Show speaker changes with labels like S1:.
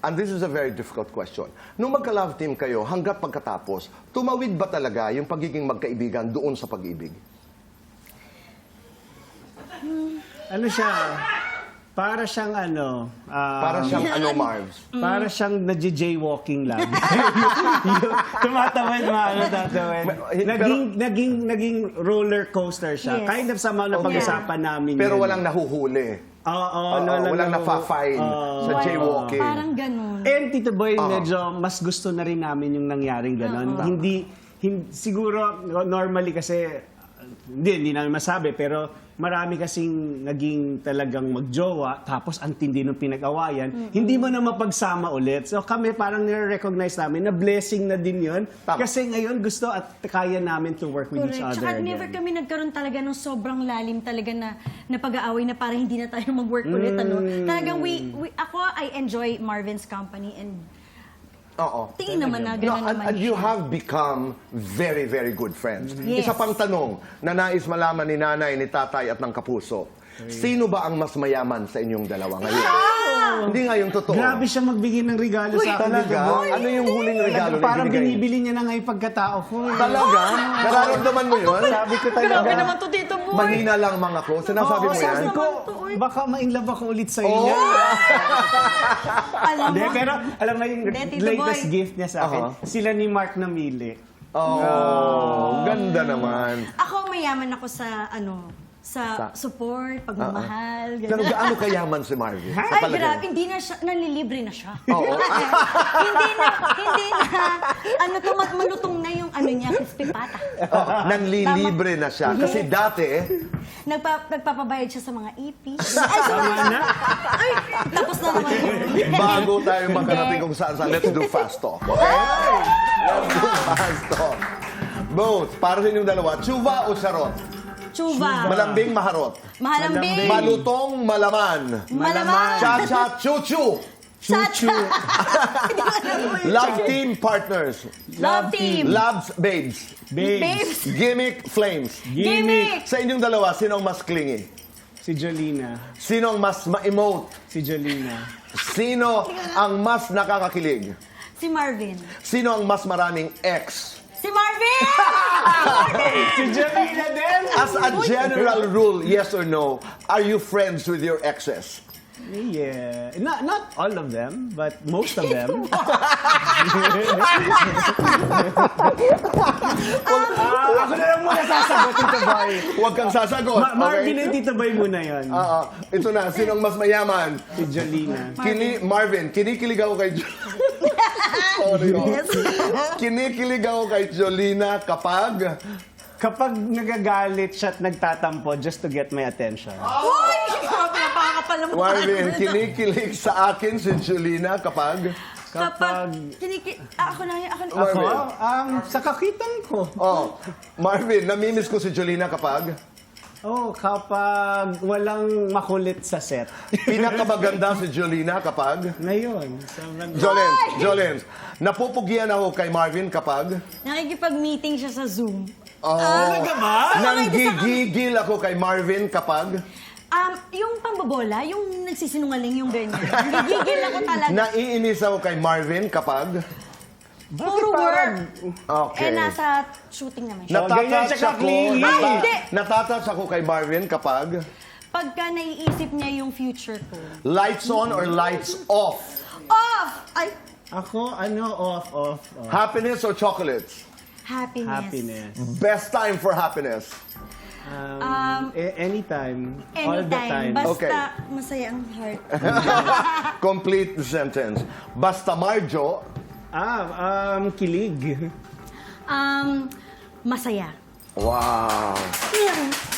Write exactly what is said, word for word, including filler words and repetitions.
S1: and this is a very difficult question. Nung magka-love team kayo, hanggat pagkatapos, tumawid ba talaga yung pagiging magkaibigan doon sa pag-ibig?
S2: Ano siya? Para siyang ano... um,
S1: Para siyang ano, Marvs?
S2: Para siyang nagja-jaywalking lang. Yung tumatawid, maano tatawid. Naging, naging, naging roller coaster siya.
S3: Yes.
S2: Kind of sa mga napag-usapan namin.
S1: Pero
S2: yun.
S1: walang nahuhuli.
S2: Oo, oo,
S1: Oo,
S2: walang,
S1: walang
S2: nahu-
S1: nafa-fine
S2: Oo.
S1: sa jaywalking.
S3: Parang ganun.
S2: And Tito Boy,
S1: Oo.
S2: medyo mas gusto na rin namin yung nangyaring gano'n. Hindi, hin- siguro, normally kasi, hindi, hindi namin masabi, pero marami kasing naging talagang magjowa, tapos ang tindi ng pinag-awayan, mm-hmm. hindi mo na mapagsama ulit. So kami parang nire-recognize namin na blessing na din yun.
S1: Tama.
S2: Kasi ngayon gusto at kaya namin to work with
S3: Correct.
S2: each other
S3: Tsaka
S2: again.
S3: never kami nagkaroon talaga ng sobrang lalim talaga na, na pag-aaway na parang hindi na tayo mag-work ulit. Ano? Talagang we, we, ako, I enjoy Marvin's company and
S1: Oo.
S3: tingin naman na
S1: No,
S3: gano'n
S1: and,
S3: naman
S1: and you
S3: siya.
S1: have become very, very good friends.
S3: Yes.
S1: Isa pang tanong na nais malaman ni nanay, ni tatay at ng kapuso. Sino ba ang mas mayaman sa inyong dalawa ngayon? Hindi nga yung totoo.
S2: Grabe siya magbigay ng regalo sa akin.
S1: Talaga?
S2: Tito Boy.
S1: Ano yung huling regalo na
S2: Parang
S1: ibinigay?
S2: binibili niya na nga yung pagkatao ko. eh.
S1: Talaga? Nararamdaman mo yun?
S2: Sabi ko talaga.
S3: Grabe naman to, Tito Boy.
S1: Mahina lang mga ko. Sinasabi
S2: Oo,
S1: mo yan?
S2: sabi ko, baka ma-inlove ako ulit sa inyo.
S1: Oh!
S3: Alam
S2: Hindi,
S3: mo,
S2: pero alam mo yung
S3: Hindi, Tito
S2: latest
S3: Boy.
S2: gift niya sa akin,
S1: Aha.
S2: sila ni Mark namili.
S1: Oh, ganda naman.
S3: ako mayaman ako sa ano, sa,
S1: Sa-
S3: support, pagmamahal,
S1: Pero
S3: gano'n.
S1: gaano kayaman si Marvin? Sa
S3: Ay,
S1: palagay
S3: grabe,
S1: mo?
S3: hindi na siya, nanlilibre na siya.
S1: Oo.
S3: hindi na, hindi na, ano to, mat- malutong na yung ano niya, crispy pata.
S1: Oo, nanlilibre na siya. Kasi dati,
S3: Nagpa, nagpapabayad siya sa mga E P. Ay, sa mga,
S2: na?
S3: ay, tapos na naman yun.
S1: bago tayo makarating kung saan saan, let's do fast talk. Okay? Let's do fast talk. Both, para sa inyong dalawa, tsuba o charot?
S3: Chuba.
S1: Malambing, maharot.
S3: Mahalambing.
S1: Malutong, malaman.
S3: Malaman.
S1: Cha-cha, chuchu.
S3: Chuchu.
S1: Love team partners.
S3: Love team.
S1: Loves babes.
S2: Babes.
S3: Babes.
S1: Gimmick flames.
S3: Gimmick.
S1: Sa inyong dalawa, sino ang mas clingy?
S2: Si Jolina.
S1: Sino ang mas ma-emote?
S2: Si Jolina.
S1: Sino ang mas nakakakilig?
S3: Si Marvin.
S1: Sino ang mas maraming ex?
S3: Si Marvin!
S2: Si Jolina din!
S1: As a general rule, yes or no, are you friends with your exes?
S2: Yeah. Not, not all of them, but most of them. Ah, ako na lang muna sasagot, Tito Boy.
S1: Huwag kang sasagot.
S2: Ma- Marvin
S1: okay?
S2: and Tito Boy muna yun.
S1: Oo. Ito na, sino ang mas mayaman?
S2: Si Jolina.
S1: Kini Marvin, kinikilig ako kay Jo- Sorry, oh. Kinikilig ako kay Jolina kapag
S2: Kapag nagagalit siya at nagtatampo just to get my attention.
S3: Uy! Grabe, napakakapal naman.
S1: Marvin, kinikilig sa akin si Jolina kapag
S3: Kapag, kiniki... ah, ako na yun, ako na.
S2: Ako,
S1: Marvin.
S2: um, sa kakitan ko.
S1: Oh, Marvin, namimiss ko si Jolina kapag
S2: Oh, kapag walang makulit sa set.
S1: pinakamaganda si Jolina kapag
S2: Ngayon. sobrang-
S1: Jolens, Jolens, napupugian ako kay Marvin kapag
S3: Nakikipag-meeting siya sa Zoom.
S1: oh,
S2: Talaga ba?
S1: nanggigigil ako kay Marvin kapag
S3: Um, yung pambobola, yung nagsisinungaling yung ganyan. Nagigigil ako talaga.
S1: naiinis ako kay Marvin kapag
S3: Puro work.
S1: okay.
S3: Eh, nasa shooting naman siya.
S2: Na- ganyan
S1: Natatouch
S2: siya
S1: ako,
S2: ka-clingy.
S1: nata-
S3: Ay, hindi.
S1: natatouch ako kay Marvin kapag
S3: Pagka naiisip niya yung future ko.
S1: lights on or lights off,
S3: Off! Ay,
S2: Ako, ano, off, off, off.
S1: happiness or chocolates,
S3: happiness.
S2: Happiness.
S1: best time for happiness.
S2: Um,
S3: Um,
S2: a- anytime. All the
S3: Anytime.
S2: time.
S3: Basta
S1: Okay.
S3: masaya ang heart.
S1: Complete the sentence. Basta Marjo,
S2: Ah, um, kilig.
S3: Um, masaya.
S1: wow.
S3: Yeah.